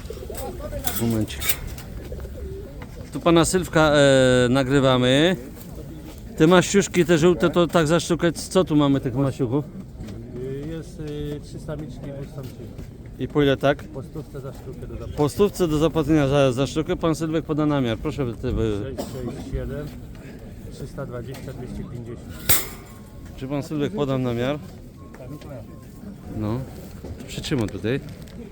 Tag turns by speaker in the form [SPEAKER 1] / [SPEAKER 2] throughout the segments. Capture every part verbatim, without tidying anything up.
[SPEAKER 1] Momencik. Tu pana Sylwka e, nagrywamy. Te maściuszki, te żółte, to tak za sztukę, co tu mamy tych maściuchów?
[SPEAKER 2] Jest y, trzy samiczki i dwóch samczyków.
[SPEAKER 1] I po ile tak?
[SPEAKER 2] Po stówce za sztukę do zapłaty.
[SPEAKER 1] Po stówce do zapłacenia za, za sztukę pan Sylwek poda namiar. Proszę. Ty, wy...
[SPEAKER 2] sześć sześć siedem trzysta dwadzieścia dwieście pięćdziesiąt.
[SPEAKER 1] Czy pan Sylwek poda namiar? No, przytrzymam tutaj.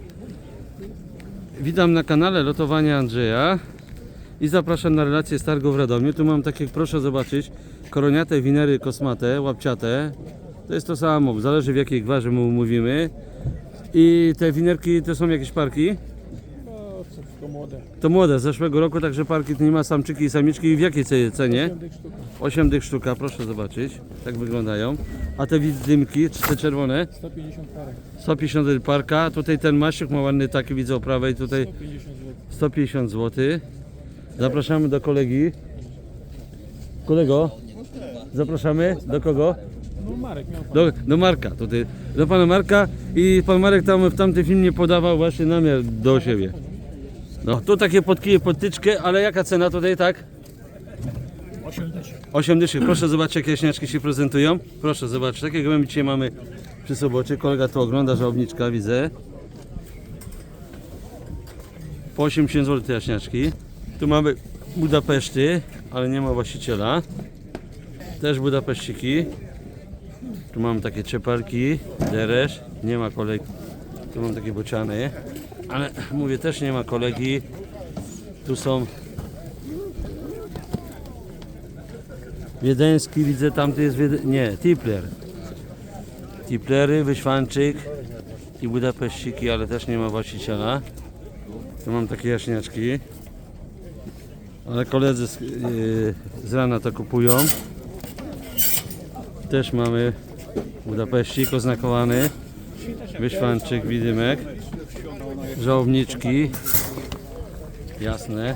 [SPEAKER 1] Witam na kanale Lotowania Andrzeja i zapraszam na relację z targu w Radomiu. Tu mam takie, proszę zobaczyć, koroniate winery kosmate, łapciate. To jest to samo, zależy w jakiej gwarze mu mówimy. I te winerki to są jakieś parki?
[SPEAKER 2] No, to młode.
[SPEAKER 1] To młode, z zeszłego roku, także parki to nie ma samczyki i samiczki. I w jakiej cenie? osiem dych sztuka, proszę zobaczyć, tak wyglądają. A te widymki, czy te czerwone?
[SPEAKER 2] sto pięćdziesiąt parek.
[SPEAKER 1] sto pięćdziesiąt parka, tutaj ten maściuk ma ładny taki, widzę o prawej, tutaj
[SPEAKER 2] sto pięćdziesiąt złotych.
[SPEAKER 1] sto pięćdziesiąt złotych. Zapraszamy do kolegi. Kolego, zapraszamy do kogo?
[SPEAKER 2] No Marek miał pan.
[SPEAKER 1] Do, do Marka, tutaj, do pana Marka i pan Marek tam w tamtym filmie podawał właśnie namiar do siebie. No, tu takie podkije, podtyczkę, ale jaka cena tutaj, tak?
[SPEAKER 2] osiem dyszek.
[SPEAKER 1] osiem dyszek. Proszę zobaczyć, jakie jaśniaczki się prezentują. Proszę zobaczyć, takie gołębi dzisiaj mamy przy sobocie. Kolega tu ogląda, żałobniczka, widzę. Po osiemdziesiąt złotych te jaśniaczki. Tu mamy Budapeszty, ale nie ma właściciela. Też Budapeszciki. Tu mamy takie czeparki, deresz, nie ma kolegi. Tu mam takie bociany, ale mówię, też nie ma kolegi. Tu są wiedeński, widzę, tamty jest Wiede... nie, Tipler. Tiplery, Wyświanczyk i Budapeszciki, ale też nie ma właściciela. Tu mam takie jaśniaczki, ale koledzy z, yy, z rana to kupują. Też mamy Budapeszcik oznakowany, Wyświanczyk, widymek, żałobniczki, jasne.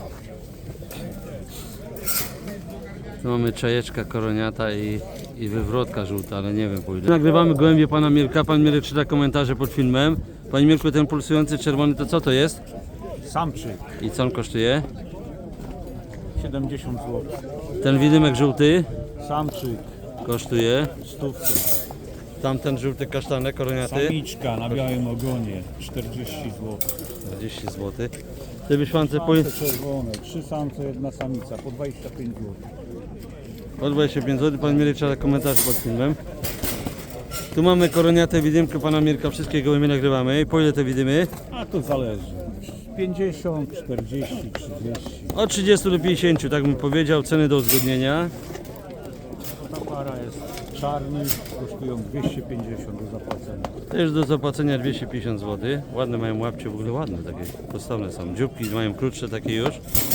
[SPEAKER 1] Tu mamy czajeczka koroniata i, i wywrotka żółta, ale nie wiem po ile. Nagrywamy gołębie pana Mirka, pan Mirek czyta komentarze pod filmem. Panie Mirku, ten pulsujący czerwony to co to jest?
[SPEAKER 2] Samczyk.
[SPEAKER 1] I co on kosztuje?
[SPEAKER 2] siedemdziesiąt złotych.
[SPEAKER 1] Ten widymek żółty
[SPEAKER 2] Samczyk.
[SPEAKER 1] kosztuje.
[SPEAKER 2] Stówkę.
[SPEAKER 1] Tamten żółty kasztanek koroniaty
[SPEAKER 2] Samiczka na białym ogonie. czterdzieści złotych.
[SPEAKER 1] czterdzieści złotych. Te wyświance po,
[SPEAKER 2] Samce czerwone. Trzy samce, jedna samica. Po dwadzieścia pięć złotych.
[SPEAKER 1] po dwadzieścia pięć złotych. Pan Mirek czyta komentarze pod filmem. Tu mamy koroniate widymkę pana Mirka. Wszystkie gołębie nagrywamy. Po ile te widymy?
[SPEAKER 2] A to zależy. pięćdziesiąt, czterdzieści, trzydzieści.
[SPEAKER 1] Od trzydziestu do pięćdziesięciu, tak bym powiedział. Ceny do uzgodnienia.
[SPEAKER 2] Ta para jest czarny, kosztują dwieście pięćdziesiąt do zapłacenia.
[SPEAKER 1] Też do zapłacenia dwieście pięćdziesiąt złotych. Ładne mają łapcie, w ogóle ładne takie, postawne są. Dzióbki mają krótsze takie już.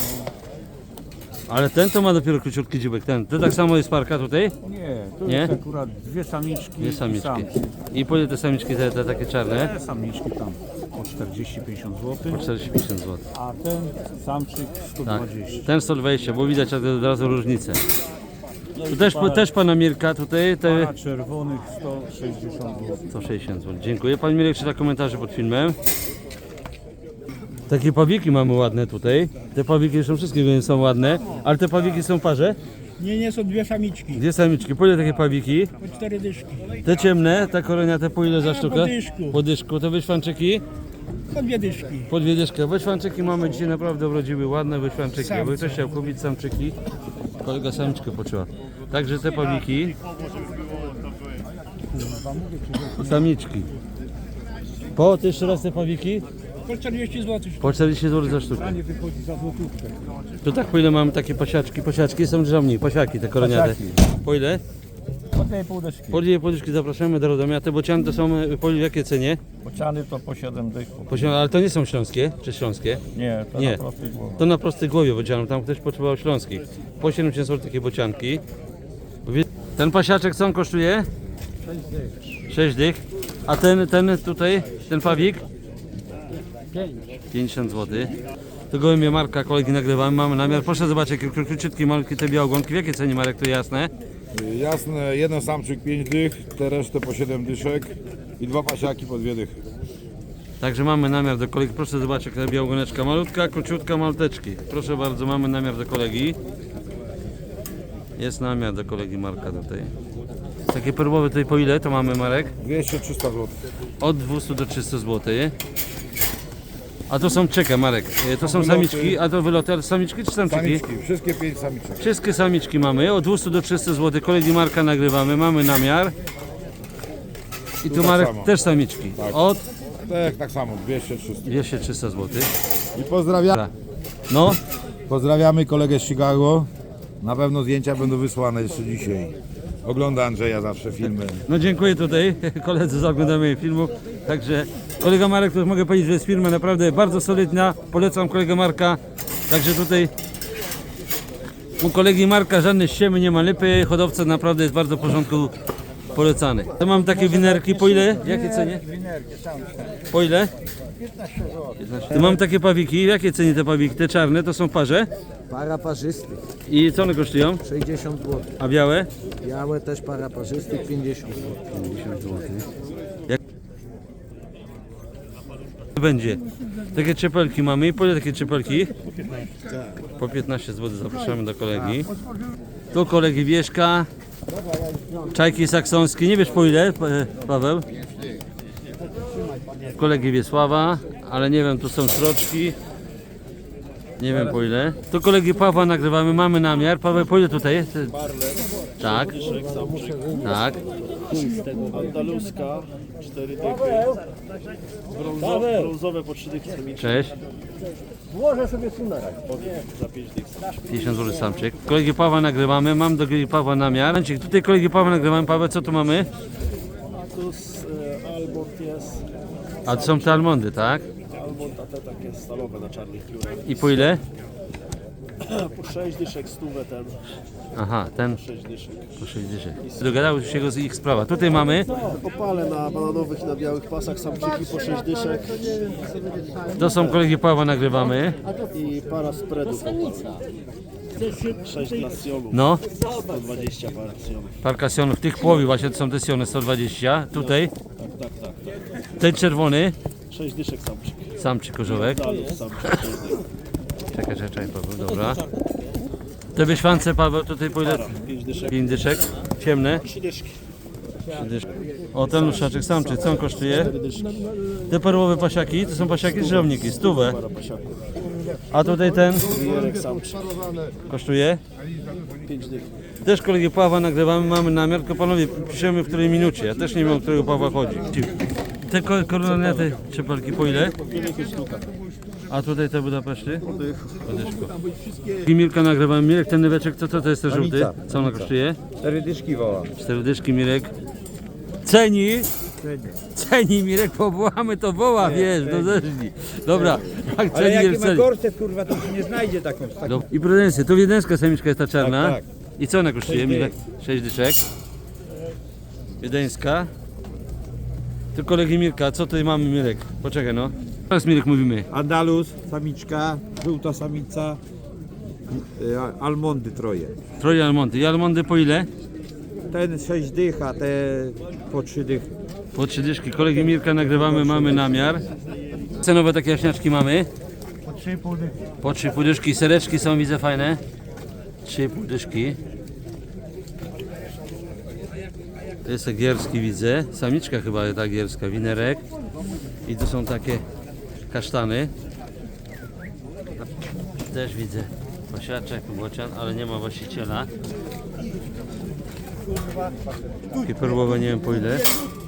[SPEAKER 1] Ale ten to ma dopiero króciutki dzióbek, ten. To tak samo jest parka tutaj?
[SPEAKER 2] Nie, to
[SPEAKER 1] Nie?
[SPEAKER 2] jest akurat dwie samiczki
[SPEAKER 1] Dwie
[SPEAKER 2] i
[SPEAKER 1] samiczki.
[SPEAKER 2] samcy.
[SPEAKER 1] I po ile te samiczki, te, te takie czarne?
[SPEAKER 2] Te samiczki tam po czterdzieści pięćdziesiąt złotych,
[SPEAKER 1] Po czterdzieści pięćdziesiąt złotych.
[SPEAKER 2] a ten samczyk sto
[SPEAKER 1] Tak.
[SPEAKER 2] dwadzieścia.
[SPEAKER 1] Ten sto dwadzieścia, bo widać od razu różnicę. Tu też, też pana Mirka tutaj, te
[SPEAKER 2] Para czerwonych sto sześćdziesiąt złotych.
[SPEAKER 1] sto sześćdziesiąt złotych. Dziękuję. Pan Mirek czyta komentarze pod filmem. Takie pawiki mamy ładne tutaj. Te pawiki są wszystkie są ładne, ale te pawiki są w parze.
[SPEAKER 3] Nie, nie, są dwie samiczki,
[SPEAKER 1] Dwie samiczki. Po ile takie pawiki?
[SPEAKER 3] po cztery dyszki,
[SPEAKER 1] Te ciemne, te koroniate po ile za
[SPEAKER 3] A,
[SPEAKER 1] sztukę?
[SPEAKER 3] po dyszku.
[SPEAKER 1] Po dyszku. Te wyświanczyki?
[SPEAKER 3] po dwie dyszki.
[SPEAKER 1] Po dwie dyszki. Wyświanczyki mamy dzisiaj naprawdę urodziły, ładne wyświanczyki. Jakby
[SPEAKER 3] Samce.
[SPEAKER 1] ktoś chciał kupić samczyki, kolega samiczkę poczuła. Także te pawiki. Samiczki. Po, to jeszcze raz te pawiki?
[SPEAKER 3] Po czterdzieści złotych.
[SPEAKER 1] Po czterdzieści złotych za sztukę.
[SPEAKER 2] Nie wychodzi za złotówkę.
[SPEAKER 1] To tak po ile mamy takie pasiaczki? Pasiaczki są drzewni, pasiaki te koroniate. Po ile?
[SPEAKER 2] Po tej pół dyszki.
[SPEAKER 1] Po dwie poduszki zapraszamy do Radomia. Te bociany to są e, po jakiej cenie?
[SPEAKER 2] Bociany to po siedem dychów.
[SPEAKER 1] Po, ale to nie są śląskie, czy śląskie?
[SPEAKER 2] Nie, to
[SPEAKER 1] Nie.
[SPEAKER 2] na prostej głowie.
[SPEAKER 1] To na prostej głowie bocianów, tam ktoś potrzebował śląskich. Po siedemdziesiąt złotych takie bocianki. Ten pasiaczek co on kosztuje? sześć dych. A ten, ten tutaj, ten pawik? pięćdziesiąt złotych. To gołębie Marka, kolegi nagrywamy, mamy namiar. Proszę zobaczyć, jakie króciutkie, malutkie te białogonki. W jakiej cenie, Marek, to jasne?
[SPEAKER 4] Jasne, jeden samczyk pięć dych, te resztę po siedem dyszek i dwa pasiaki po dwie dychy.
[SPEAKER 1] Także mamy namiar do kolegi. Proszę zobaczyć, jaka białogoneczka malutka, króciutka, malteczki. Proszę bardzo, mamy namiar do kolegi. Jest namiar do kolegi Marka tutaj. Takie perłowe tutaj po ile to mamy, Marek?
[SPEAKER 4] dwieście trzysta złotych.
[SPEAKER 1] Od dwieście do trzystu złotych. A to są, czekaj Marek, e, to są
[SPEAKER 4] Wyloty.
[SPEAKER 1] samiczki, a to wyloty, ale samiczki czy samczyki?
[SPEAKER 4] Samiczki, wszystkie pięć samiczek.
[SPEAKER 1] Wszystkie samiczki mamy, od dwieście do trzystu złotych. Kolegi Marka nagrywamy, mamy namiar. I tu
[SPEAKER 4] tak
[SPEAKER 1] Marek
[SPEAKER 4] samo.
[SPEAKER 1] też samiczki.
[SPEAKER 4] Tak.
[SPEAKER 1] Od
[SPEAKER 4] Tak, tak samo, dwieście trzysta.
[SPEAKER 1] dwieście do trzystu złotych.
[SPEAKER 4] I pozdrawiam,
[SPEAKER 1] No,
[SPEAKER 4] pozdrawiamy kolegę z Chicago. Na pewno zdjęcia będą wysłane jeszcze dzisiaj. Ogląda Andrzeja zawsze filmy.
[SPEAKER 1] no dziękuję tutaj koledzy za oglądanie filmów. Także kolega Marek, to mogę powiedzieć, że jest firma naprawdę bardzo solidna. Polecam kolegę Marka. Także tutaj u kolegi Marka żadne ściemy, nie ma lipy. Hodowca naprawdę jest bardzo w porządku, polecany. To mam takie winerki, po ile? Jakie cenie? Po ile? piętnaście. Tu mam takie pawiki, jakie cenie te pawiki? Te czarne to są parze.
[SPEAKER 5] Para parzystych
[SPEAKER 1] I co one kosztują?
[SPEAKER 5] sześćdziesiąt złotych.
[SPEAKER 1] A białe?
[SPEAKER 5] Białe też para parzystych pięćdziesiąt złotych.
[SPEAKER 1] pięćdziesiąt złotych. Jak będzie? Takie czepelki mamy. Po ile takie czepelki? Po piętnaście złotych. Zapraszamy do kolegi. Tu kolegi Wieszka. Czajki saksońskie. Nie wiesz po ile, Pa- Paweł? Kolegi Wiesława, ale nie wiem, tu są sroczki. Nie wiem po ile. Tu kolegi Pawła nagrywamy, mamy namiar. Paweł, po ile tutaj? Ty- Tak. Tak.
[SPEAKER 6] Andaluska, cztery dychy. Brązowe, brązowe po trzy dychy samiczki.
[SPEAKER 1] Cześć.
[SPEAKER 6] Za pięć dych.
[SPEAKER 1] pięćdziesiąt złotych samczyk. Kolegi Pawła nagrywamy, mam do kolegi Pawła namiar. Momencik, tutaj kolegi Pawła nagrywamy. Paweł, co tu mamy?
[SPEAKER 6] Tu z e, Almond jest.
[SPEAKER 1] A to są te almondy, tak?
[SPEAKER 6] Almond, a te takie stalowe na czarnych piórach.
[SPEAKER 1] I po ile?
[SPEAKER 6] Po sześć dyszek, stówę ten.
[SPEAKER 1] Aha, ten
[SPEAKER 6] sześć dyszek.
[SPEAKER 1] po sześć dyszek. Dogadały się go z ich sprawa. Tutaj mamy,
[SPEAKER 6] Opale na bananowych i na białych pasach samczyki po sześć dyszek.
[SPEAKER 1] to są kolegi Pawła nagrywamy.
[SPEAKER 6] I para spreadów. sześć dla sionów.
[SPEAKER 1] No,
[SPEAKER 6] sto dwadzieścia par sionów.
[SPEAKER 1] parka sionów. Tych połowi właśnie to są te siony sto dwadzieścia. Tutaj,
[SPEAKER 6] Tak, tak, tak. tak.
[SPEAKER 1] ten czerwony,
[SPEAKER 6] sześć dyszek samczyk.
[SPEAKER 1] samczyk korzołek.
[SPEAKER 6] Dalów samczyk sześć dych.
[SPEAKER 1] Czekaj, czekaj, Paweł, dobra. Te wyśwance, Paweł, tutaj po ile?
[SPEAKER 6] Para, pięć dyszek.
[SPEAKER 1] pięć dyszek. Ciemne.
[SPEAKER 6] trzy dyszki.
[SPEAKER 1] trzy dyszki. O, ten luszaczek samczyk, co on kosztuje?
[SPEAKER 6] cztery dyszki.
[SPEAKER 1] Te perłowe pasiaki, to są pasiaki czy żołniki? Stówę.
[SPEAKER 6] Para pasiaków.
[SPEAKER 1] A tutaj ten
[SPEAKER 6] Wijerek samczyk.
[SPEAKER 1] kosztuje?
[SPEAKER 6] pięć dych.
[SPEAKER 1] Też kolegi Pawła nagrywamy, mamy namiar, tylko panowie piszemy w której minucie. Ja też nie wiem, o którego Pawła chodzi. Te ko- koronety, czepelki po ile? A tutaj te Budapeszty? Podyszko. I Mirka nagrywamy. Mirek, ten nyweczek, co to, to jest ten żółty? Co ona kosztuje?
[SPEAKER 4] Cztery dyszki woła.
[SPEAKER 1] Cztery dyszki, Mirek. Ceni? Ceni, Mirek, powołamy to woła, wiesz, do zeżni. Dobra, jak
[SPEAKER 7] Ale
[SPEAKER 1] ceni,
[SPEAKER 7] jaki
[SPEAKER 1] jest
[SPEAKER 7] ma
[SPEAKER 1] ceni.
[SPEAKER 7] gorset, kurwa, to się nie znajdzie taką. taką.
[SPEAKER 1] Dob- I prudencję, to wiedeńska samiczka jest ta czarna.
[SPEAKER 7] Tak, tak.
[SPEAKER 1] I co ona kosztuje?
[SPEAKER 7] Sześć
[SPEAKER 1] Mirek? Sześć dyszek. Wiedeńska. Tu kolegi Mirka, co tutaj mamy, Mirek? Poczekaj no. Teraz Mirek mówimy.
[SPEAKER 7] Andalus, samiczka, żółta samica, y, a- almondy troje.
[SPEAKER 1] Troje almondy. I almondy po ile?
[SPEAKER 7] Ten sześć dych, a te po trzy dychy.
[SPEAKER 1] Po trzy dyszki. Kolegi Mirka nagrywamy, mamy namiar. Cenowe takie jaśniaczki mamy. Po trzy i pół dyszki. Po trzy i pół dyszki. Sereczki są, widzę, fajne. trzy i pół dyszki. To jest gierski, widzę. Samiczka chyba ta gierska, winerek. I tu są takie kasztany. Też widzę pasiaczek, bocian, ale nie ma właściciela. Takie perłowe, nie wiem po ile.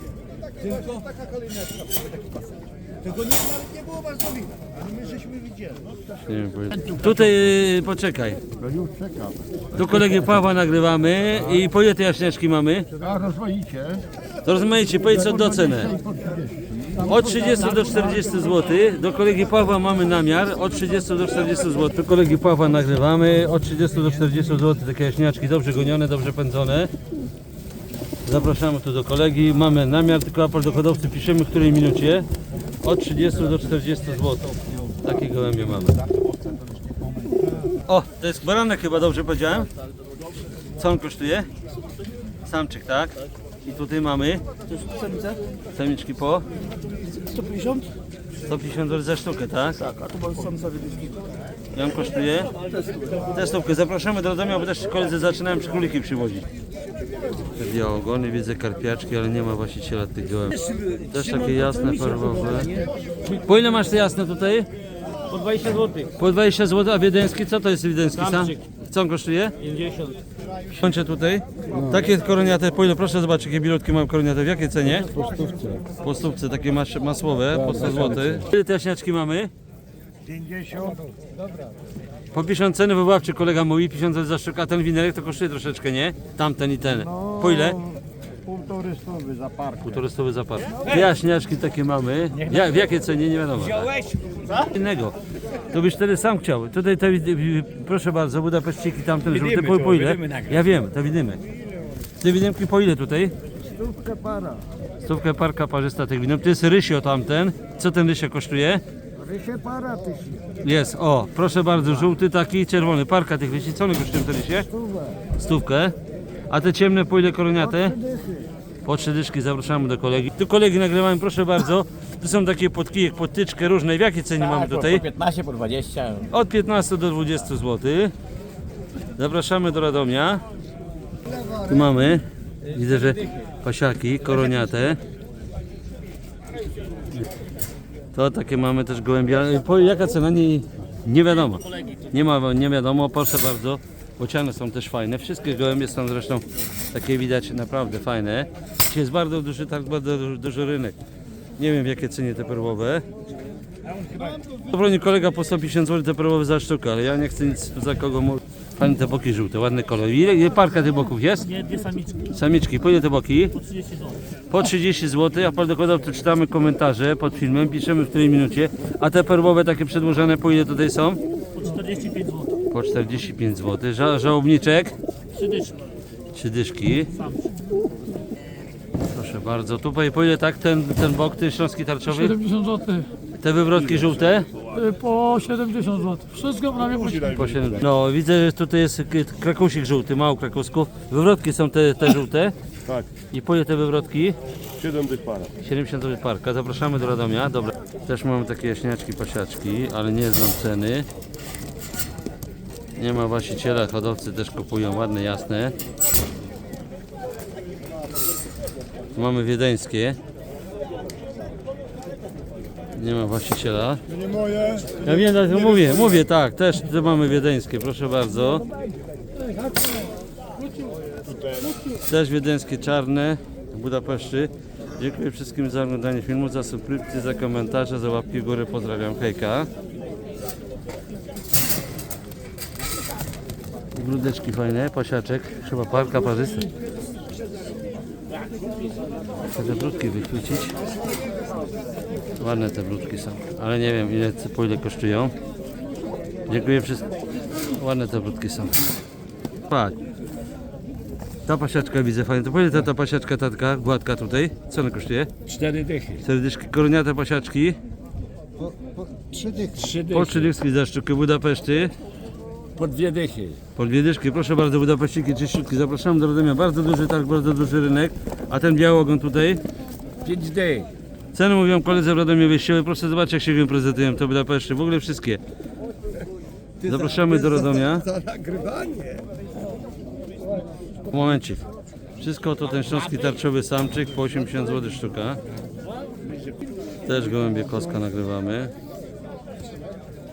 [SPEAKER 1] Nie wiem po ile. Tutaj y, poczekaj. Tu kolegi Pawła nagrywamy i po ile te jaśniaczki mamy?
[SPEAKER 8] A rozmawicie.
[SPEAKER 1] To rozmaicie, powiedz co do cenę. Od trzydziestu do czterdziestu złotych. Do kolegi Pawła mamy namiar. Od trzydziestu do czterdziestu złotych. Do kolegi Pawła nagrywamy. Od trzydziestu do czterdziestu złotych. Takie jaśniaczki dobrze gonione, dobrze pędzone. Zapraszamy tu do kolegi. Mamy namiar, tylko apel do hodowcy piszemy w której minucie. Od trzydziestu do czterdziestu złotych. Takie gołębie mamy. O, to jest baranek chyba, dobrze powiedziałem? Co on kosztuje? Samczyk, tak? I tutaj mamy
[SPEAKER 3] To jest samica?
[SPEAKER 1] samiczki po
[SPEAKER 3] sto pięćdziesiąt?
[SPEAKER 1] sto pięćdziesiąt złotych za sztukę, tak?
[SPEAKER 6] Tak, a tu są samce wiedyszki.
[SPEAKER 1] I on kosztuje? Testówkę. Zapraszamy do Radomia, bo też koledzy zaczynają przy króliki przywozić. Te białogony, widzę karpiaczki, ale nie ma właściciela tych gołębi. Też takie jasne, perłowe. Po ile masz te jasne tutaj?
[SPEAKER 3] Po dwadzieścia złotych.
[SPEAKER 1] Po dwadzieścia złotych, a wiedeński? Co to jest wiedeński sam?
[SPEAKER 3] Samczyk.
[SPEAKER 1] Co on kosztuje?
[SPEAKER 3] pięćdziesiąt.
[SPEAKER 1] Kończę tutaj. Takie koroniate, po ile? Proszę zobaczyć, jakie bilutki mam koroniate. W jakiej cenie?
[SPEAKER 2] Po stówce.
[SPEAKER 1] Po stówce, takie mas masłowe, po sto złotych. Ile te jaśniaczki mamy?
[SPEAKER 2] pięćdziesiąt.
[SPEAKER 1] Po pięćdziesiąt ceny wywoławczy kolega mówi, pięćdziesiąt złotych za sztukę, a ten winerek to kosztuje troszeczkę, nie? Tamten i ten. Po ile?
[SPEAKER 2] Półtory stówy za parkę.
[SPEAKER 1] Półtorystowy zapar. Te jaśniaczki takie mamy. Ja, w jakiej cenie? Nie wiadomo. Innego. To byś wtedy sam chciał. Tutaj te, proszę bardzo, Budapeszciki, tamten żółty, po, po ile? Ja wiem, te widymy. Te widymki po ile tutaj?
[SPEAKER 2] Stówkę para.
[SPEAKER 1] Stówkę parka parzysta tych widym. To jest rysio tamten. Co ten rysio kosztuje?
[SPEAKER 2] Rysie para tysięcy.
[SPEAKER 1] Jest, o, proszę bardzo, żółty taki, czerwony. Parka tych rysi. Co one kosztują te rysie? Stówkę. A te ciemne po ile koroniate? Po trzy dyszki, zapraszamy do kolegi. Tu kolegi nagrywamy, proszę bardzo. Tu są takie podkijek, podtyczkę różne. W jakiej cenie mamy tutaj?
[SPEAKER 3] Po piętnaście, po dwadzieścia.
[SPEAKER 1] Od piętnastu do dwudziestu złotych. Zapraszamy do Radomia. Tu mamy, widzę, że pasiaki, koroniate. To takie mamy też gołębia. Po, jaka cena? Nie, nie wiadomo. Nie ma, nie wiadomo, proszę bardzo. Bociany są też fajne. Wszystkie gołębie są zresztą takie widać naprawdę fajne. Dzisiaj jest bardzo duży targ, bardzo duży, duży rynek. Nie wiem w jakie cenie te perłowe. Dobroni kolega po sto pięćdziesiąt złotych te perłowe za sztukę, ale ja nie chcę nic za kogo mówić. Fajne te boki żółte, ładny kolor. Ile, ile parka tych boków jest?
[SPEAKER 3] Nie, dwie samiczki.
[SPEAKER 1] Samiczki, po ile te boki?
[SPEAKER 3] Po trzydzieści złotych.
[SPEAKER 1] Po trzydzieści złotych, a pan dokładał, czytamy komentarze pod filmem, piszemy w której minucie. A te perłowe takie przedłużane po ile tutaj są?
[SPEAKER 3] Po czterdzieści pięć złotych.
[SPEAKER 1] Po czterdzieści pięć złotych. Ża żałobniczek?
[SPEAKER 3] Trzy dyszki.
[SPEAKER 1] Trzy dyszki. Proszę bardzo. Tutaj po ile tak ten, ten bok, ten śląski tarczowy?
[SPEAKER 8] siedemdziesiąt złotych,
[SPEAKER 1] Te wywrotki żółte?
[SPEAKER 8] po siedemdziesiąt złotych. Wszystko prawie po
[SPEAKER 1] Po siedem. No widzę, że tutaj jest krakusik żółty, mało krakusków. Wywrotki są te, te żółte.
[SPEAKER 6] Tak.
[SPEAKER 1] I po ile te wywrotki?
[SPEAKER 6] siedem dych para.
[SPEAKER 1] siedemdziesiąt złotych parka. Zapraszamy do Radomia. Dobra. Też mamy takie jaśniaczki, pasiaczki, ale nie znam ceny. Nie ma właściciela, hodowcy też kupują ładne, jasne. Tu mamy wiedeńskie. Nie ma właściciela.
[SPEAKER 2] Nie moje.
[SPEAKER 1] Ja wiem, tak mówię, mówię tak, też tu mamy wiedeńskie, proszę bardzo. Też wiedeńskie czarne w Budapeszcie. Dziękuję wszystkim za oglądanie filmu, za subskrypcję, za komentarze, za łapki w górę. Pozdrawiam, hejka. Grudeczki fajne, pasiaczek, chyba parka parzysta. Chcę te brudki wychwycić. Ładne te brudki są, ale nie wiem ile, po ile kosztują. Dziękuję wszystkim. Ładne te brudki są. Patrz. Ta pasiaczka widzę fajnie. To po ile ta, ta pasiaczka tatka, gładka tutaj? Co ona kosztuje?
[SPEAKER 2] Cztery dychy.
[SPEAKER 1] Cztery dyszki, koroniate pasiaczki.
[SPEAKER 2] Trzy dychy. Trzy
[SPEAKER 1] Po trzy dyszki za sztukę Budapeszty.
[SPEAKER 2] Po dwie dychy.
[SPEAKER 1] Po dwie dyszki. Proszę bardzo, Budapeściki, czyściutki. Zapraszam do Radomia. Bardzo duży targ, bardzo duży rynek. A ten biały ogon tutaj?
[SPEAKER 2] Pięć dych.
[SPEAKER 1] Ceny mówią koledzy w Radomie wyjściowe. Proszę zobaczyć jak się go prezentują to Budapeszty. W ogóle wszystkie. Zapraszamy do Radomia.
[SPEAKER 2] Za nagrywanie.
[SPEAKER 1] Momencik. Wszystko to ten śląski tarczowy samczyk po osiemdziesiąt złotych sztuka. Też gołębie koska nagrywamy.